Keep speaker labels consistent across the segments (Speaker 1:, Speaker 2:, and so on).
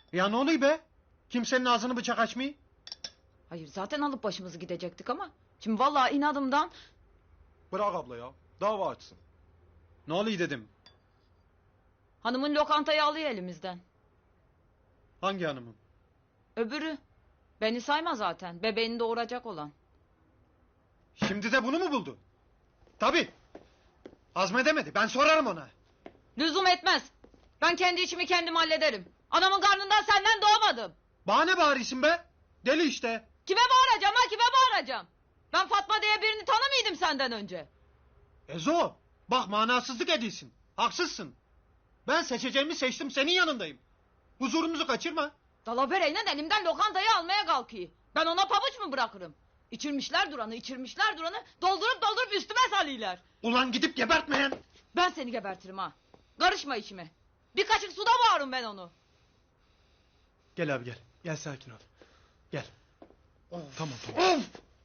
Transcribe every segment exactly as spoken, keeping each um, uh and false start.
Speaker 1: Ya ne oluyor be? Kimsenin ağzını bıçak açmıyor.
Speaker 2: Hayır zaten alıp başımızı gidecektik ama. Şimdi vallahi inadımdan...
Speaker 1: Bırak abla ya. Dava açsın. Ne oluyor dedim.
Speaker 2: Hanımın lokantayı alıyor elimizden.
Speaker 1: Hangi hanımın?
Speaker 2: Öbürü. Beni sayma zaten. Bebeğini doğuracak olan.
Speaker 1: Şimdi de bunu mu buldu? Tabii. Azmedemedi. Ben sorarım ona.
Speaker 2: Lüzum etmez. Ben kendi işimi kendim hallederim. Anamın karnından senden doğmadım.
Speaker 1: Bana ne bağırıyorsun be? Deli işte.
Speaker 2: Kime bağıracağım ha, kime bağıracağım? Ben Fatma diye birini tanımıyordum senden önce.
Speaker 1: Ezo. Bak manasızlık ediyorsun. Haksızsın. Ben seçeceğimi seçtim, senin yanındayım. Huzurumuzu kaçırma.
Speaker 2: Dalavereyle elimden lokantayı almaya kalkıyor. Ben ona pabuç mu bırakırım? İçirmişler duranı, içirmişler duranı, doldurup doldurup üstüme salıyorlar.
Speaker 1: Ulan gidip gebertmeyen.
Speaker 2: Ben seni gebertirim ha. Karışma içime. Bir kaşık suda boğarım ben onu.
Speaker 3: Gel abi gel. Gel sakin ol. Gel.
Speaker 1: Of.
Speaker 3: Tamam tamam.
Speaker 1: Of.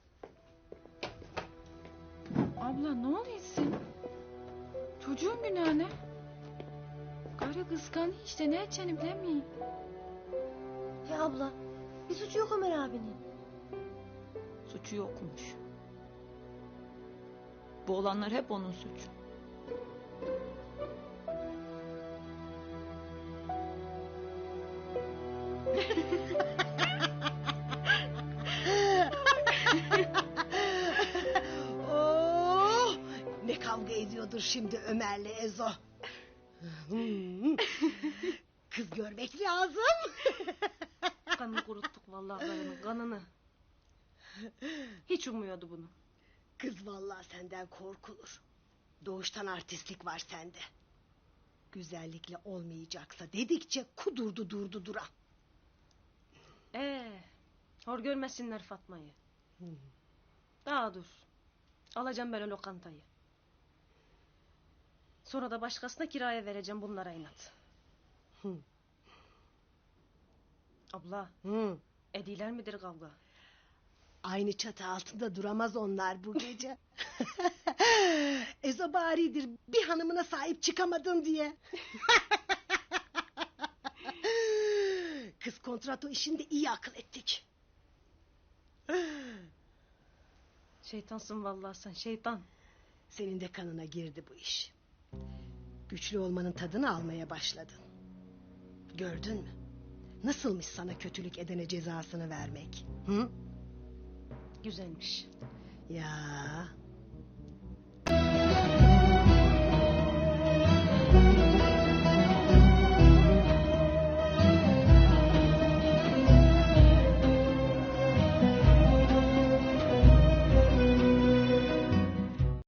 Speaker 2: Abla ne oluyorsun? Çocuğun günahı ne? Karı kıskanıyor işte, ne edeceğini bilemiyor.
Speaker 4: Ya abla, bir suçu yok Ömer abinin.
Speaker 2: Suçu yokmuş. Bu olanlar hep onun suçu.
Speaker 4: Oh, ne kavga ediyordur şimdi Ömer'le Ezo. Hmm. Kız görmek lazım.
Speaker 5: Kanını kuruttuk vallahi karının kanını. Hiç ummuyordu bunu.
Speaker 4: Kız vallahi senden korkulur. Doğuştan artistlik var sende. Güzellikle olmayacaksa dedikçe kudurdu durdu dura.
Speaker 5: Ee, hor görmesinler Fatma'yı.
Speaker 4: Hmm.
Speaker 5: Daha dur. Alacağım ben o lokantayı. Sonra da başkasına kiraya vereceğim bunlara inat.
Speaker 4: Hı.
Speaker 5: Abla,
Speaker 4: Hı.
Speaker 5: ediler midir kavga?
Speaker 4: Aynı çatı altında duramaz onlar bu gece. Ezo baridir bir hanımına sahip çıkamadın diye. Kız kontrato işinde iyi akıl ettik.
Speaker 5: Şeytansın vallahi sen, şeytan.
Speaker 4: Senin de kanına girdi bu iş. Güçlü olmanın tadını almaya başladın. Gördün mü? Nasılmış sana kötülük edene cezasını vermek? Hı?
Speaker 5: Güzelmiş.
Speaker 4: Ya